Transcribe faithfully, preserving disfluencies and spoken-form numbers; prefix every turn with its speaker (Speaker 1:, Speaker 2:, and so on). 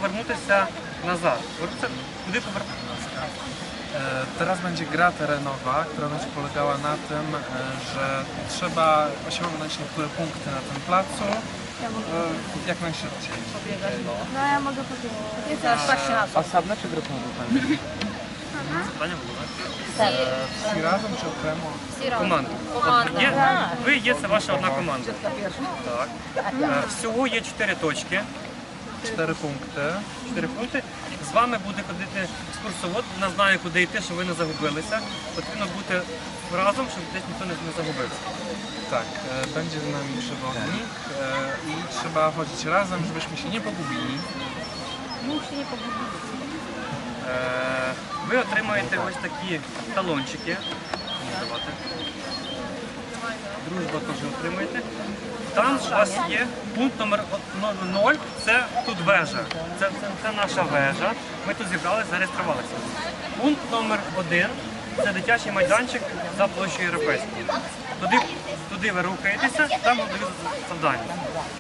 Speaker 1: poвернутися назад. Kуди poвернутися?
Speaker 2: Teraz będzie gra terenowa, która będzie polegała na tym, że trzeba osiągnąć niektóre punkty na tym placu jak najszybciej.
Speaker 3: No ja mogę powiedzieć.
Speaker 4: Osobno czy grupowo?
Speaker 1: Питання було, так?
Speaker 2: Всі разом чи окремо?
Speaker 1: Команда. От є, ви є, це ваша одна команда. Так. Е, Всього є чотири точки.
Speaker 2: Cztery punkty.
Speaker 1: Чотири пункти. З вами буде ходити екскурсовод, вона знає, куди йти, щоб ви не загубилися. Потрібно бути разом, щоб десь ніхто не не загубився.
Speaker 2: Tak, e, będzie z nami przewodnik e, i trzeba chodzić razem, żebyśmy się nie pogubili.
Speaker 1: Е, Ви отримаєте ось такі талончики. Давайте. Дружба теж отримаєте. Там у вас є пункт номер нуль, це тут вежа. Це, це, це наша вежа. Ми тут зібралися, зареєструвалися. Пункт номер один це дитячий майданчик за площею Європейською. Туди, туди ви рухаєтеся, там дають завдання.